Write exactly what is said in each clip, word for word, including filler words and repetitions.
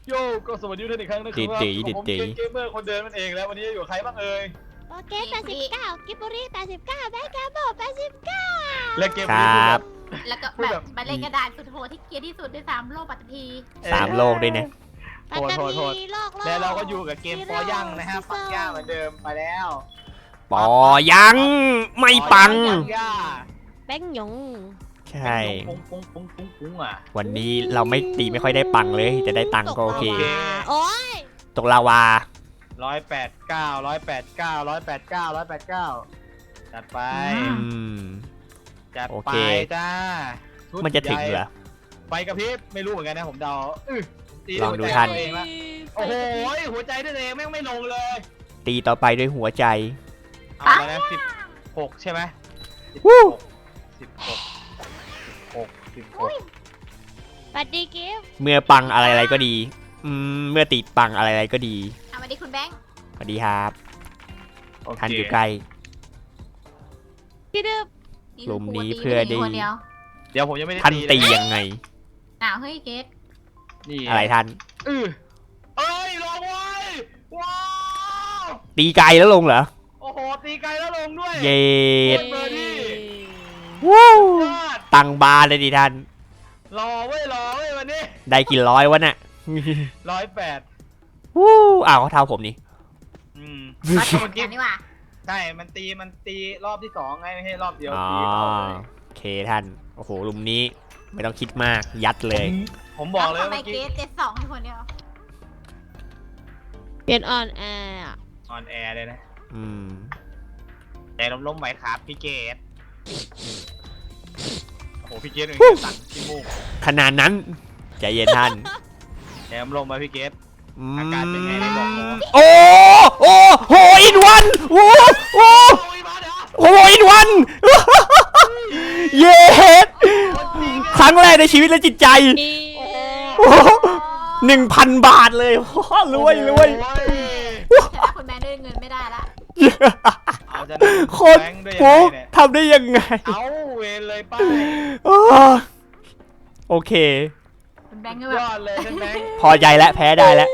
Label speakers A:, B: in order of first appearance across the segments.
A: โยก็สวัสดีท่านอีกครั้งนะครับผมเป็นเกมเมอร์คนเดิมนั่นเองแล้ววันนี้อยู่ใครบ้างเอ่ย
B: โอเคแปดสิบเก้ากิบบุรีแปดสิบเก้าแบงค์กาโบแปดสิบเก้า
A: และเกมนี้ครับ
C: แล้วก็แบบมาเล่นกระดานสุดโหดที่เกียร์ที่สุดในสามโลกปัตตภี
D: สามโลกด้วยเนี่ย
B: ปัตตภีโลกโลก
A: แล้วเราก็อยู่กับเกมปอย่างนะฮะปังย่าเหมือนเดิมไปแล้ว
D: ปอยังไม่ปัง
B: แบงหยง
D: ใช่
A: ปุ้งปุ้งปุ้งปุ้งปุ้งอ่ะ
D: วันนี้เราไม่ตีไม่ค่อยได้ปังเลยจะได้ตังก็โอเค
B: โอ้ย
D: ตกลาวา
A: ร้อยแปดเก้าร้อยแปดเก้าร้อยแปดเก้าร้อยแปดเก้าจัดไปจัดไปจ้า
D: มันจะถึงเหรอ
A: ไปกับพี่ไม่รู้เหมือนกันนะผมเดา
D: ลองดูท่าน
A: โอ้โหหัวใจด้วยเองแม่งไม่ลงเลย
D: ตีต่อไปด้วยหัวใจ
A: เอาแล้วสิบหกใช่ไหม
D: วู้
A: สิบหกหกสิบหก
B: ปัดดีกิฟ
D: เมื่อปังอะไรอะไรก็ดีอืมเมื่อติดปังอะไรอะไรก็ดี
C: สวัสดีคุณแบงค์
D: สวัสดีครับท่านอยู่ใกล้
B: พี่ดึบ
D: กลุ่มนี้เพื่อดี
A: เดี๋ยวผมยังไม่ได้
D: ท่านตียังไง
C: อ้าวเฮ้ยเกต
A: นี่
D: อะไรท่าน
A: เออเอ้ยลงไว้ว้าว
D: ตีไกลแล้วลงเหรอ
A: โอ้โหตีไกลแล้วลงด้วย
D: เย็ด
A: วู้
D: ตังบาเลยดิท่าน
A: รอไว้รอไว้วันนี้
D: ได้กี่ร้อยวะเนี่ย
A: ร้อยแปด
D: วู้อ้าวเขาเท่าผมนี่
A: อืม
C: มาตีกันนี่ว่ะ
A: ใช่มันตีมันตีรอบที่สองไงไม่ใช่รอบเดียว
D: ตีโอเคท่านโอ้โหลุมนี้ไม่ต้องคิดมากยัดเลย
A: ผมบอกเลย
C: เมื่อกี้เจ็ดสองคนเดียว
B: เปลี่ยนออนแอร์
A: ออนแอร์เลยนะ
D: อืม
A: แต่ล้มๆไหวครับพี่เกตโอ้โหพี่เกตเองสั่งขี้มูก
D: ขนาดนั้นใจเย็นท่าน
A: แถมลงมาพี่เกตอาการเป็นไงได้บอกผม
D: โอ้โอ้โหอินวันโอ้โอ้โหอินวันเย้ครั้งแรกในชีวิตและจิตใจหนึ่งพันบาทเลยรวยรวย
C: แต่คุณแม่ได้เงินไม่ได้ละ
D: โคตรโหทำได้ยังไง
A: เอาเวรเลยป้า
D: โอเค
C: แบงค์
A: ยอดเลยแบงค์
D: พอใจแล้วแพ้ได้แล้ว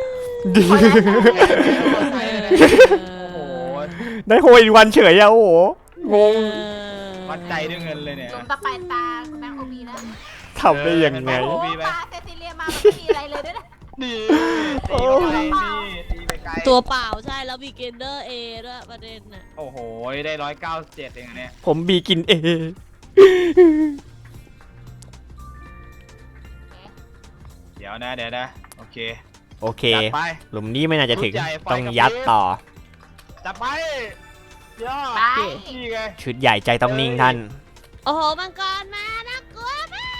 D: ได้โฮอินวันเฉยอะโอ้โหงง
A: วัดใจด้วยเงินเลยเนี่ย
C: ลงตาไปตาคุณแบงค์โอบีนะ
D: ทำได้ยังไง
C: โอ้ปลาเซซิเลียมาไม่มีอะไรเลยด้วยนะ
A: นี่ตีไปนี่ตีไปไกล
B: ตัวเปล่าใช่แล้วบีเกนเดอร์เอด้วยประเด็นน่ะ
A: โอ้โหได้ร้อยเก้าสิบเจ็ดเองเนี่ย
D: ผมบีกินเอ
A: เดี๋ยวนะเดี๋ยวนะโอเค
D: โอเคหลุมนี้ไม่น่าจะถึงต้องยัดต่อ
A: จับไปย่อนี่ไง
D: ชุดใหญ่ใจต้องนิ่งท่าน
B: โอ้โหมังกรมาน่ากลัวมาก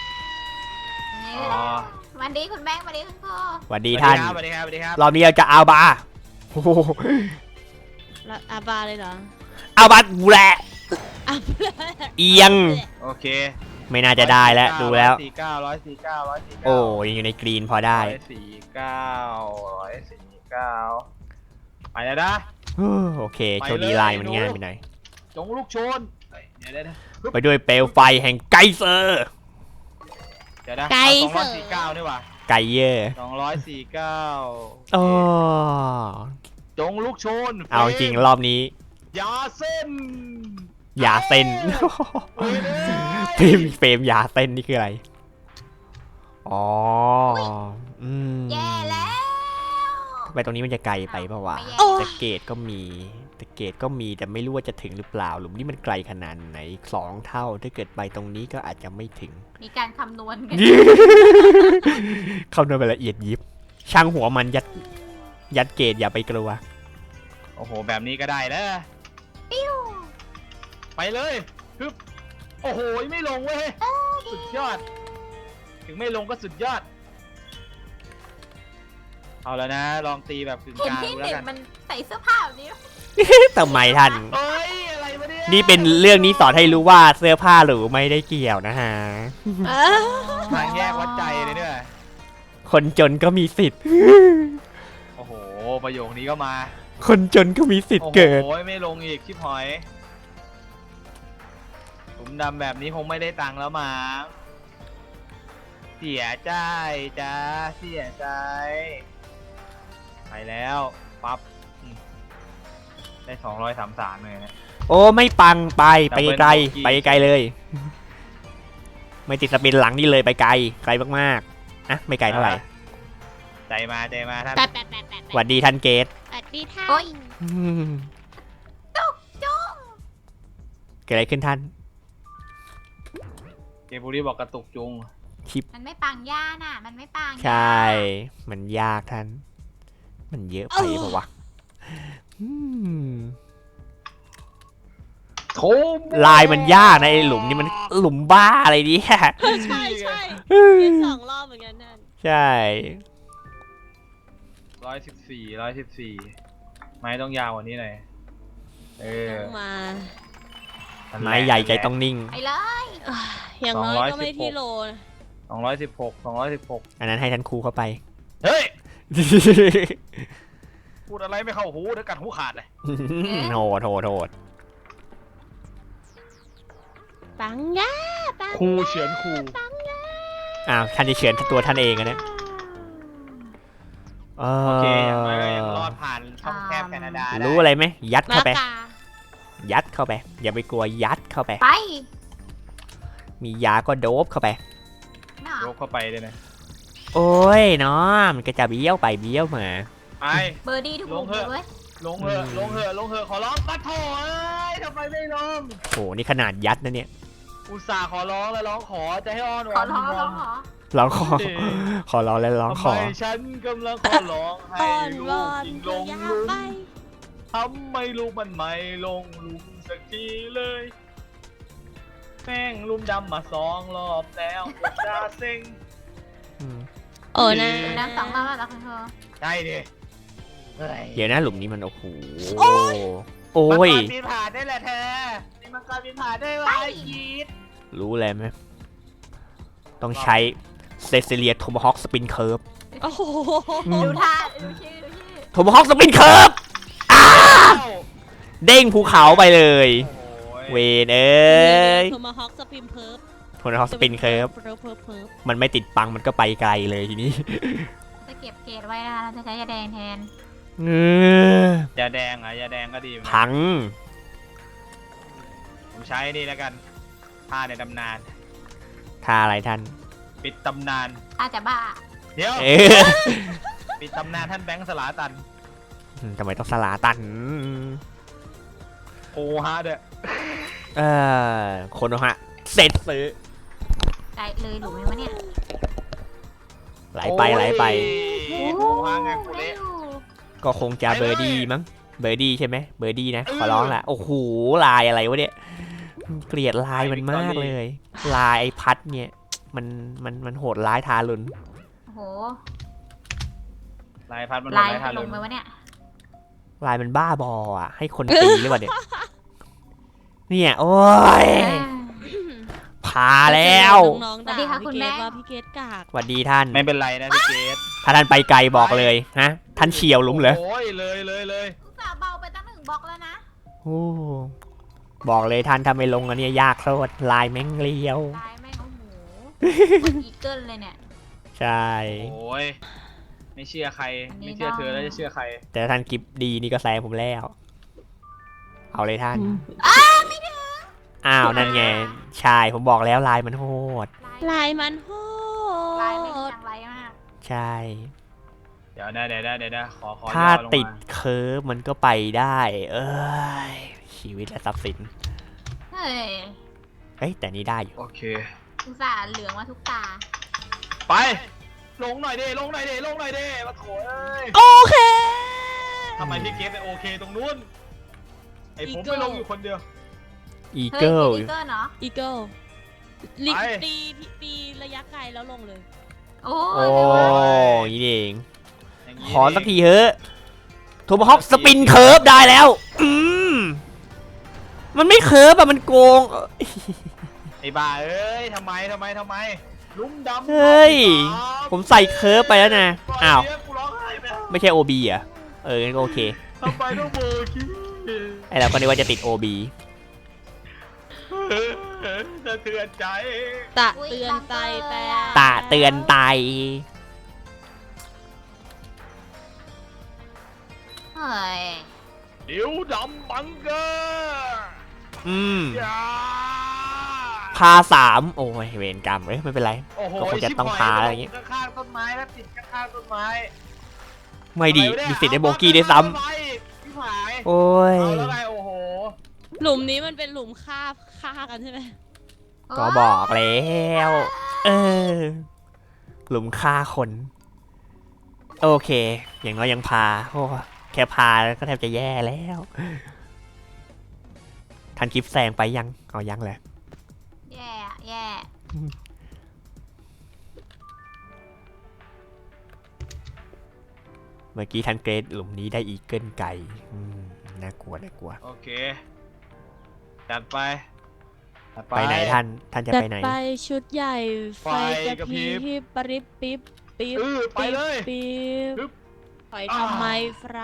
C: วันดีคุณแบงค์วันดีคุณพ่อ
D: วันดีท่าน
A: วันดีครับวันดีครับ
D: รอบนี้เราจะเอาบาโอ้โห
B: อาบาเลยเหรอ
D: เอาบากูแหละเอียง
A: โอเค
D: ไม่น่าจะได้แล้วดูแล้ว
A: สี่เก้าร้อยสี่เก้าร้อยสี่เก้า
D: โอ้ยังอยู่ในกรีนพอได้
A: สี่เก้าร้อยสี่เก้าไปแล้วนะ
D: โอเคโชว์ดีไลน์มันง่ายไปหน่อย
A: จงลูกชน
D: ไปด้วยเปลวไฟแห่งไกเซอร์
A: เดี๋ยวนะสองร้อยสี่เก้านี่ว่ะ
D: ไกเยอร์
A: สองร้อยสี่เก้า
D: โอ้
A: จงลูกชน
D: เอาจริงรอบนี้
A: ยาเส้น
D: ยาเส้นเฟรมเฟรมยาเส้นนี่คืออะไรอ๋ออืม
C: แย่แล้ว
D: ไปตรงนี้มันจะไกลไปเปล่าวะตะเกตก็มีตะเกตก็มีแต่ไม่รู้ว่าจะถึงหรือเปล่าหลุมนี้มันไกลขนาดไหนสองเท่าถ้าเกิดไปตรงนี้ก็อาจจะไม่ถึง
C: มีการคำนวณกัน
D: คำนวณไปละเอียดยิบช่างหัวมันยัดยัดเกตอย่าไปกลัว
A: โอ้โหแบบนี้ก็ได้แล้วไปเลยฮึบโอ้โหไม่ลงเว้ยสุดยอดถึงไม่ลงก็สุดยอดเอาแล้วนะลองตีแบบกึ่งกลางแล้วกัน
C: มันใส่เสื้อผ้าแบบนี้
D: ทำไมท่าน
A: เอ้ยอะไรวะเนี่ย
D: นี่เป็นเรื่องนี้สอนให้รู้ว่าเสื้อผ้าหรือไม่ได้เกี่ยวนะฮะ
A: ทางแยกวัดใจเลยเนี่ย
D: คนจนก็มีสิทธิ์
A: โอ้โหประโยคนี้ก็มา
D: คนจนก็มีสิทธิ์เกิด
A: โอ้ยไม่ลงอีกชิบหอยผมดำแบบนี้คงไม่ได้ตังค์แล้วมั้งเสียใจจ้าเสียใจไปแล้วปั๊บอืมได้สองร้อยสามสามเลยนะ
D: โอ้ไม่ปังไปไปไกล
A: Double Bogey
D: ไปไกลเลย ไม่ติดสปินหลังนี่เลยไปไกลไกลมากๆอ่ะไม่ไกลเท่าไหร่
A: ใจมาใจมาท่าน
B: แปดแปดแปดแปด
D: สวัสดีท่านเกต
B: สวัสดีท่า
C: โอ๊ย
D: อืม
C: จุกจุก
D: เกิดอะไรขึ้นท่าน
A: เกมบุรีบอกกระตุกจุง
C: มันไม่ปังย่าน่ะ มันไม่ปัง
D: ใช่ มันยากท่าน มันเยอะไปปะวะอืม
A: โถม
D: ลายมันยากนะไอหลุมนี่มันหลุมบ้าอะไรเนี่ย
E: ใช่ใช่เล่นสองรอบเหมือนกันนั่น
D: ใช่
A: ร้อยสิบสี่ร้อยสิบสี่ไม้ต้องยาวกว่านี้หน่อยเออ
E: ต้องมา
A: นั่นแหละ
D: ไม้ใหญ่ใจต้องนิ่ง
C: ไปเลย
E: อ่ะอย่างน้อยก็ไม่ที่โลนะ
A: สองร้อยสิบหกสองร้อยสิบหก
D: อันนั้นให้ท่านครูเข้าไป
A: เฮ้ยพูดอะไรไม่เข้าหูเดี๋ยวกัดหูขาดเลย
D: โหดโหดโหด
B: ปังย่าปัง
A: ครูเฉือนครู
D: อ้าวท่านจะเฉือนตัวท่านเองอะเนี่ยเอ
A: โอเคอย่าง
D: อ
A: น้อยก็ยังรอดผ่านช่องแคบแคนาดาได้
D: รู้อะไรไหมยัด
E: มา
D: เข้าไป
E: กา
D: ยัดเข้าไป อย่าไปกลัวยัดเข้าไป
C: ไป
D: มียาก็โดบเข้าไป
C: เนาะ
A: ยกเข้าไปเลยนะ
D: โอ้ยเนาะมันก็จะเบี้ยวไปเบี้ยวมา
A: ไป
C: เบอร์ดี้ทุก
A: ล
C: มุ
A: ง
C: ม
A: เถอะ
C: เลย
A: ลงเถอะลงเถอะลงเถอะขอร้องปัดโถเอ้ยทำไมไม่ลง
D: โหนี่ขนาดยัดนะเนี่ย
A: อุตส่าห์ขอร้องแล้วร้องขอจะให้อ้อนว
C: ขอ
A: อน
C: ร้อง
A: ว
C: ร้
A: อ
C: อน งขอ
D: ร้องขอ
A: เด็ก
D: ขอร้องแล้วร้อง
A: ทำ
D: ข
A: ไม
D: อ
A: ฉันกำลังขอร้องให้
E: อ้อน
A: ลู
E: ว
A: ก
E: อน
A: ยิง
E: ก็
A: ลง
E: อยา
A: ลุ
E: ก
A: ม
E: ไป
A: ทำไมลูกมันไม่ลงลุมสักทีเลยแม่งลุมดำมาสองรอบแล้วผมจะเซ็ง
D: อืม
E: โอ้นะ
C: ดูน้ำสองรอบแล้วเหรอคุณเธอ
A: ใช่ดิเฮ้ย
D: เดี๋ยวนะหลุมนี้มันโอ้โห
E: โอ้ย
D: โอ้ย
A: มังกรบินผ่านได้แหละเธอมีมังกรบินผ่านได้ไว้ยีด
D: รู้เลยไหมต้องใช้เซซิเลียโทมฮอคสปินเคิร์ฟ
E: โอ้โห
C: ดูท่าดูชื่อดูชื่อ
D: โทมฮอคสปินเคิร์ฟเด้งภูเขาไปเลย เวนเอ้ย
E: โทมาฮอกสปิมเพิร์ฟ
D: โทมฮอคสปินเคิร์ฟ
E: เพิร์ฟเพิร์ฟเพิร์ฟ
D: มันไม่ติดปังมันก็ไปไกลเลยทีนี้
C: จะเก็บเกรดไว้นะคะเราจะใช้ยาแดงแทน
D: เออย
A: าแดงอ่ะยาแดงก็ดีเหมือนกัน
D: พัง
A: ผมใช้นี่แล้วกันท่าในตำนาน
D: ท่าอะไรท่าน
A: ปิดตำนาน
C: ถ้าจะบ้า
A: เดี๋ยว
D: เออ
A: ปิดตำนานท่านแบงค์สลาตัน
D: ทำไมต้องสลาตัน
A: โอฮะเด้อ
D: เออคนฮะเสร็จซื้อ
C: ได้เลยหลุมไหมวะเนี่ย
D: ไหลไปไหลไป
A: โอ้โหฮะไงกู
C: ได้
A: เละ
C: อยู่
D: ก็คงจะเบอร์ดี้มั้ง เบอร์ดี้ใช่ไหมเบอร์ดี้นะ ขอร้องละโอ้โห ลายอะไรวะเนี่ย เกลียดลายมันมากเลย ลายไอพัดเนี่ย มัน มัน มันโหดร้ายทารุณ
C: โอ้โห
A: ลายพัดมัน
C: ลาย
A: ลายทา
C: ล
A: รุ
C: ง
A: ณ
C: ไหมวะเนี่ย
D: ลายมันบ้าบออ่ะ ให้คนตีหรือเปล่าเนี่ย เนี่ย โอ้ย พาแล้ว
E: น้องๆด่าพี่เกดว่าพี่เกดกาก
D: สวัสดีท่าน
A: ไม่เป็นไรนะพี่เกด
D: ถ้าท่านไปไกลบอกเลยฮะ ท่านเฉียวหลุมเหรอ
A: โอ้ยเลยเลยเลย
C: อุตส่าห์เบาไปตั้งหนึ่งบล็อกแล้วนะ
D: โอ้บอกเลยท่านถ้าไม่ลงอันเนี้ยยากโคตรลายแม่งเลี้ยว
C: ลายแม่งโอ้โหเหมือนอีเกิลเลยเนี่ย
D: ใช่
A: โอ้ยไม่เชื่อใคร
C: อันนี้
A: ไม่เชื่อเธอแล้วจะเชื่อใคร
D: แต่ถ้าท่านกิฟดีนี่ก็แซงผมแล้ว เอาเลยท่าน อ้าวนั่นไง ใช่ ผมบอกแล้วลายมันโหด
E: ลายมันโห
C: ลายแม่ง
E: ด
C: จังไรมาก
D: ใช่
A: เดี๋ยวนะเดี๋ยวนะเดี๋ยวนะขอขอ
D: ถ้า
A: ย่อลงม
D: ติดเคิร์ฟมันก็ไปได้ เอ้ย ชีวิตและทรัพย์สิน
C: เฮ้ย
D: เฮ้ย แต่นี่ได้อยู่
A: โอเค
C: อุตส่าห์เหลืองมาทุกตา
A: ไป ลงหน่อยเด้ลงหน่อยเด้ลงหน่อยเด้มาโถเอ้ย
E: โอเค
A: ทำไมพี่เกดไปโอเคตรงนู้นไอผมไปลงอยู่คนเดียว
D: อี
C: เฮ้ย
D: เกิล
C: อีเกิลเนาะ
E: อีเกิลลิ
A: ไป
E: ตีตีระยะไกลแล้วลงเลย
C: โอ้
D: โอ้
C: ย
D: ยนี่เอง
A: อย่างนี้
D: ขอสักทีเถอะโทมฮอคสปินเคิร์ฟได้แล้ว อืมมันไม่เคิร์ฟอะมันโกง
A: ไอ้บ้าเอ้ยทำไมทำไมทำไมลุ้มดำ
D: เฮ้ย ผมใส่เคิร์ฟไปแล้วนะ อ้าว
A: เดี๋ยกูร้องไห้ไป
D: ไม่ใช่ โอ บี อ่ะ เอองั้นก็โอเค
A: ทำไมต้องโบกี้
D: ไอเราก็นึกว่าจะติด โอ บี
A: สะเทือนใจ
E: ตะเตือนใจแต่
D: ตาเตือนไต
C: ฮ้ย
A: ดิวดำบังเกอร์
D: อืม
A: อย่า
D: พาสามโอ้ยเวรกรรมเอ้ยไม่เป็นไร
A: โอ้โห
D: ก็คงจะต้องพาอะไรอย่างงี้
A: ข้างๆต้นไม้แล้วติดข้างๆต้นไม้
D: ไม่ดี
A: อะไรวะเนี่ย
D: มีสิทธิ์ได้โบกี้ด้วยซ้
A: เอาไปพี่ผาย
D: ำโอ้ย
A: เอาแล้วไงโอ้โห
E: หลุมนี้มันเป็นหลุมฆ่าฆ่ากันใช่ไหม
D: ก็บอกแล้วเออหลุมฆ่าคน โอเค อย่างน้อยยังพาโอ้แค่พาก็แทบจะแย่แล้วทันคลิปแซงไปยังเอายังเลย
C: แย่อะแย่
D: เมื่อกี้ทันเกรดหลุมนี้ได้อีเกิลไก่อืมน่ากลัวน่ากลัว
A: โอเคจัดไปจัด
D: ไปไหนท่านท่านจะ
E: จัด
D: ไปไหน
E: ไปชุดใหญ่ไฟ
A: ไฟ
E: ก
A: ก
E: ระ
A: ระ
E: พ
A: พริ
E: ริ
A: บ
E: บปริบปิ๊บปิ๊บ
A: เออไปเลย
E: ปิ๊บ
A: ปึ๊บ
E: ถอยทำไมฟรา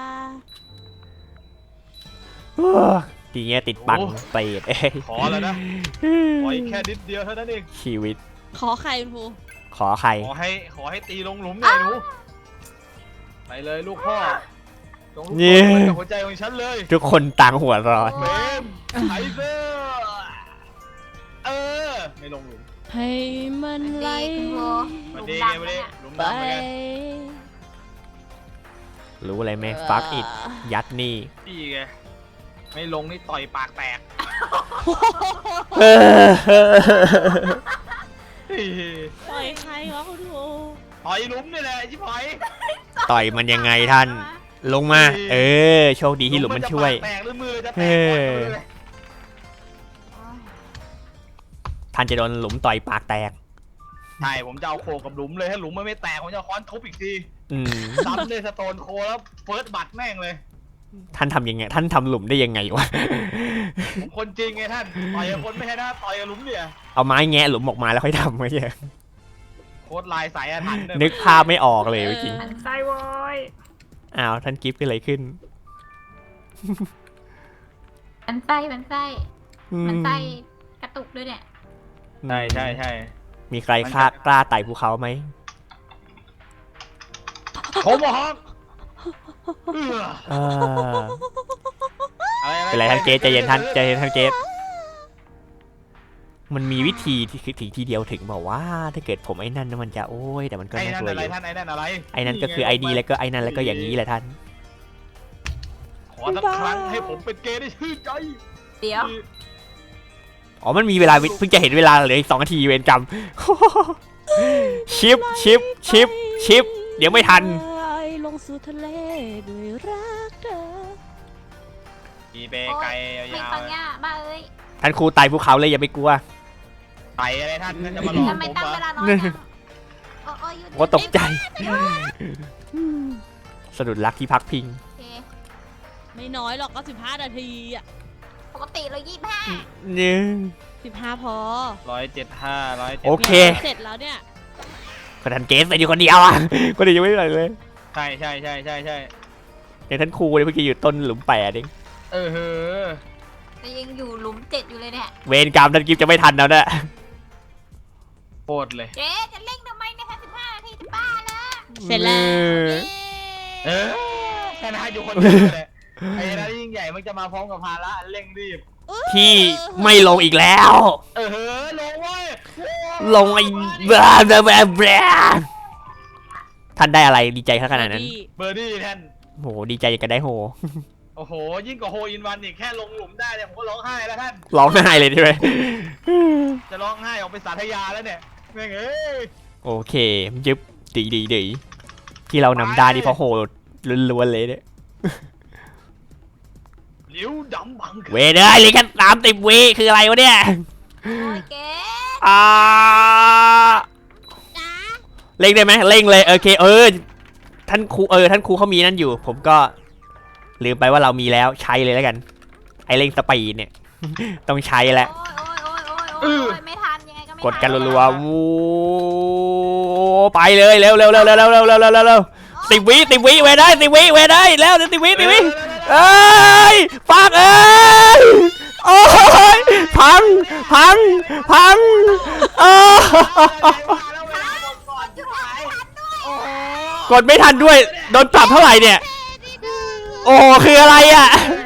D: ทีเนี้ยติดบังเปรตเอ้ย
A: ขอแล้วนะขออีกแค่นิดเดียวเท่านั้นเอง
D: ชีวิต
E: ขอใครคุณครู
D: ขอใคร
A: ขอให้ขอให้ตีลงหลุมหน่อยหนูไปเลยลูกพ่อจงลูก
D: เนี่
A: พ่
D: ย
A: อเป็นหัวใจของฉันเลย
D: ทุกคนต่างหัวร้อน
A: เฟมไทเซอร์เออไม่ลงหลุม
E: ให้มันไหล
C: ดีคุณโบห
A: มา
C: ลุม
A: ดี
C: ดำ
A: ไงมา
C: แล้ว
A: ดี
C: เนี่ย
A: หลุม
E: ไป
A: ดำเหมือนกัน
D: รู้อะไรไหมฟักอิดยัดนี่
A: พี่ไงไม่ลงนี่ต่อยปากแตกเฮ้ย
E: ปล่อยใครวะคุณครู
A: ต่อยหลุมนี่แหละชิบหาย
D: ต่อยมันยังไงท่าน ลงมา เออ โชคดีที่หลุมมันช่วย
A: จะปากแตกหรือมือจะแตก
D: เออ
A: ก่อนเลย
D: ท่านจะโดนหลุมต่อยปากแตก
A: ใช่ผมจะเอาโคกับหลุมเลยถ้าหลุมมันไม่แตกผมจะเอาค้อนทุบอีกที
D: อืม
A: ซ้ำเลยสโตนโคแล้วเฟิร์สบัตแม่งเลย
D: ท่านทำยังไง ท่านทำหลุมได้ยังไงวะ
A: ผมคนจริงไงท่านต่อยกับคนไม่ใช่นะต่อยกับหลุมเนี่ย
D: เอาไม้แงะหลุมออกมาแล้วค่อยทำไว้เหี้ย
A: โคตรลายสายอาถรรพ์เลย
D: นึกภาพไม่ออกเลยจริง
C: มันไส้โว้ย
D: อ้าวท่านกิฟต์เกิดอะไรขึ้น
C: มันไส้มันไส้
D: อื
C: มันไส้กระตุกด้วยเนี่ย
A: ใช่ใช่ใช่
D: มีใครกล้ากล้าไต่ภูเขาไหม
A: ผมบอกเออ
D: เออ
A: อะไร
D: เป็นไรท่านเกตใจเย็นท่านใจเย็นท่านเกตมันมีวิธีที่คือถึงทีเดียวถึงบอกว่าถ้าเกิดผมไอ้นั่นมันจะโอ้ยแต่มันก็
A: ไอ้
D: น่า
A: นั่
D: ก
A: น
D: ลัว
A: อะ
D: อ
A: ไร
D: ยู่
A: ท่านไอ้นั่นอะไร
D: ไอ้นั่นก็คือไอดีแล้วก็ไอ้นั่นแล้วก็อย่างนี้แหละท่าน
A: ขอสักครั้งให้ผมเป็นเกย์ได้ชื่นใจ
C: เดี๋ยว
D: อ๋อมันมีเวลาเพิ่งจะเห็นเวลาเหลืออีกสองนาทีเวรกรรม ชิปชิปชิปชิปเดี๋ยวไม่ทัน
E: ลงสู่ทะเลด้วยรักเธอ
A: มีเบไก
C: ไม่
A: ยาว
C: ฟังย่าบ้าเอ้ย
D: ท่านครูไต่ภูเขาเลยอย่าไปกลัว
A: ๆไตอะไรท่านท่านจะมาหลอก
C: ทำไม
A: ผม
C: ตั้ง
A: เหร
C: เว
A: อ
C: ลาน้อยจังโอ้โอ้ยหยุด
D: โอ้ตกใจ สะดุดรักที่พักพิง
C: โอเค
E: ไม่น้อยหรอกก็สิบห้านาทีอ่ะ
C: ปกติเรายี่สิบห้า
D: เนี่ย
E: สิบห้าพอ
A: ร้อยเจ็ดห้าร้อยเจ็ด
D: โอเค
E: เสร็จแล้วเนี่ย
D: ก็ท่านเกสไปอยู่คนเดียวอ่ะคนอื่นยังไม่ได้เลย
A: ใช่ใช่ใช่ใช่ใช่
D: อย่างท่านครูเนี่ยเมื่อกี้อยู่ต้นหลุมแปดเอง
A: เออเฮ้อ
C: แต่ยังอยู่หลุมเจ็ดอยู่เลยเนี่ย
D: เวรกรรมท่านกิฟจะไม่ทันแล้วนะ
A: โคตรเลย
C: เจ๊จะเร่งทำไมเนี่ยแค่สิบห้านาทีจะบ้าแล้ว
E: เสร็จแล้ว
A: เออแค่นั้นอยู่คนเดียวเลยไอ้นั่นยิ่งใหญ่มันจะมาพร้อมกับภาระเร่งรีบ
D: ที่ไม่ลงอีกแล้ว
A: เออเฮ้อลงเว้ย
D: ลงไอ้บลาบลาบลาบลาท่านได้อะไรดีใจขนาดนั้น
A: เบอร์ดี้ท่าน
D: โหดีใจอย่างกันได้โห
A: โอ้โหยิ่งกว่าโฮอินวันอีกแค่ลงหลุมได้เนี่ยผมก็ร้องไห้แล้วท่าน
D: ร้องไห้เลยใช่ไหม
A: จะร้องไห้ออกไปสาธยาแล้วเนี่ยแม่งเอ้ย
D: โอเคยึบดีดีดีที่เรานำได้นี่เพราะโหล้วนๆเลยเนี่ย
A: หลิวดำบัง
D: เวเดอร์เหลยแค่สามสิบวิคืออะไรวะเนี่ย
C: โอ้ยเจ๊
D: อ่าเร่งได้ไหมเร่งเลยโอเคเออท่านครูเออท่านครูเขามีนั่นอยู่ ผมก็ลืมไปว่าเรามีแล้วใช้เลยแล้วกัน ไอเร่งสปีดเนี่ย ต้องใช้แล้ว
C: โอ้ยโอ้ยโอ้ยโอ้ยโอ้ยไม่ทันยังไงก็ไม่ทั
D: กดกันรัวๆวูไปเลยเร็วเร็วเร็วเร็วเร็วเร็วเร็วเร็วเร็วสิบวิสิบวิเวได้สิบวิเวได้แล้วสิบวิสิบวิเอ้ยฟักเอ้ยโอ้ยพังพังพังโอ้กดไม่ทันด้วยโดนปรับเท่าไหร่เนี่ยโอ้คืออะไรอ่ะ
B: เ